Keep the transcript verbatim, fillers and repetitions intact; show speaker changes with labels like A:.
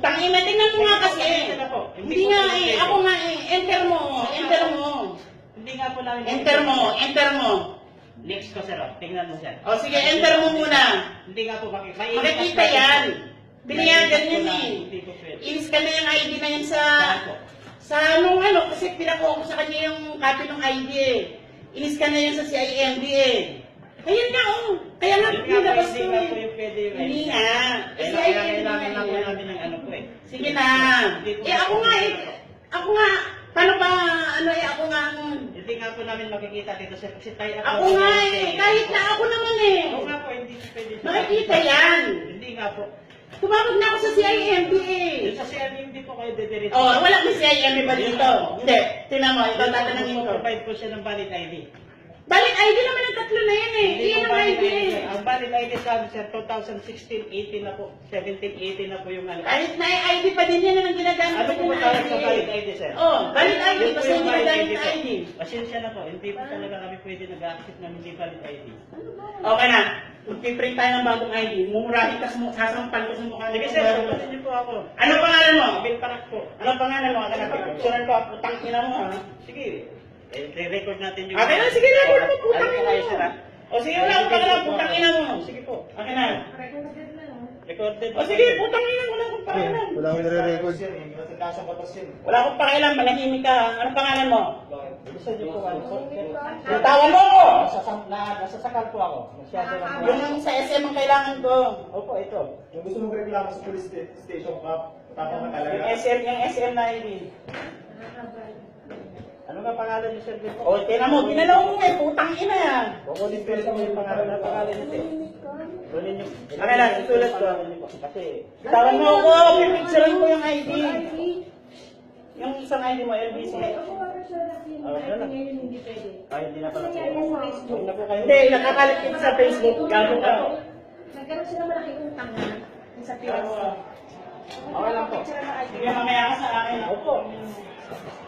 A: Putang ina, tingnan mo nga kasi.
B: Pasensya na po.
A: Hindi
B: po
A: nga
B: pwede.
A: eh, ako nga eh, enter mo, enter mo.
B: Hindi nga po namin...
A: Enter mo, enter mo.
B: Next ko, sir. oh. Tingnan mo, sir.
A: O sige, enter mo muna.
B: Hindi nga po makikita.
A: Makikita yan. Pinayagan yun eh.
B: Hindi po pwede.
A: Inis ka na yung I D na yun sa...
B: Saan po?
A: Sa anong ano, kasi pinakuha ko sa kanya yung copy ng I D eh. Inis ka na yun sa C I M D eh. Ayun nga oh. Kaya nga,
B: Hindi nga po,
A: nilabas
B: hindi
A: ko
B: nga
A: eh.
B: po yung pwede. eh.
A: Hindi nga.
B: Kaya
A: C I M D
B: kailangan
A: nga
B: na po
A: eh.
B: namin ng ano po eh.
A: Sige na.
B: Hindi po
A: Eh ako nga eh. Ako nga. Paano ba, ano eh, ako nga ang...
B: Hindi nga po namin makikita dito, sir. Kasi tayo
A: Ako nga eh. Kahit na ako naman eh.
B: Oo nga po, hindi po pwede.
A: Makikita yan.
B: Hindi nga po.
A: Tumawag na ako sa C I M D eh.
B: Yung sa C R M, hindi po kayo dediretso.
A: Oh, wala may C I M D ba dito? Hindi. Tingnan mo, ito tatanungin ko.
B: Provide po siya ng valid I D.
A: Valid I D naman ang tatlo na yan eh.
B: Hindi
A: Iyan
B: po
A: ang I
B: valid
A: D
B: I D.
A: eh.
B: Ang valid I D sa amin, sir, twenty sixteen eighteen na po. seventeen eighteen na po yung ano.
A: Kahit na I D pa din yan ang ginagamit
B: Ano
A: ko
B: po
A: ng
B: ba tawag
A: I D
B: sa
A: eh.
B: valid I D, sir?
A: Oh, valid I D.
B: Yun po
A: Basta
B: yung
A: yung
B: valid
A: ginagamit
B: I D
A: na
B: po.
A: I D.
B: Pasensya na po, hindi po talaga kami pwede nag-accept ng hindi valid I D.
A: Okay na. Magpiprint tayo ng bagong I D. Mumurahin ka, sumu- sasampal ko sa mukha.
B: Sige,
A: nito.
B: sir, sagutin niyo po ako.
A: Ano pangalan mo?
B: Bill Parak po.
A: Ano pangalan mo? Ano picturean ko? Putang ina mo ha.
B: Sige, eh, re-record natin yung...
A: Okay na, sige na. Record mo. Putang
B: Ano
A: ina
B: kayo,
A: mo.
B: sir, ha?
A: O sige na. Ano pangalan? Putang ina mo.
B: Sige po.
A: Okay na.
B: Recorded.
A: O sige, putang ina. Wala akong pakialam.
C: Wala akong nire-record.
A: Wala akong pakialam. Manahimik ka. Ano pangalan mo?
B: Gusto niyo po ano po?
A: Bitawan mo ako!
B: Nasasam, na, nasasakal po ako. Masyado lang po.
A: Yung sa S M ang kailangan ko.
B: Opo, ito.
C: Yung gusto mong reklamo sa police sta- station, pa, tapang na
A: Yung
C: talaga.
A: S M, yung S M na I D.
B: Ano nga pangalan niyo, sir? Dito?
A: O, tinan mo, tinanaw mo eh, putang ina yan.
B: Kukunin ko lang yung pangalan na pangalan niyo, sir. Kunin niyo.
A: Okay na, isulat ko.
B: Kasi,
A: Bitawan mo ako, pipicturean ko yung I D. Yung isang I D mo, L B C.
B: ay, hindi na pala po. Huwag na po kayo.
A: Hindi, nakakalit kita sa Facebook. Gago ka.
D: Nagkaroon sila malaking utang na sa P S.
B: Okay lang po.
A: Sige, mamaya ka sa akin.
B: Opo.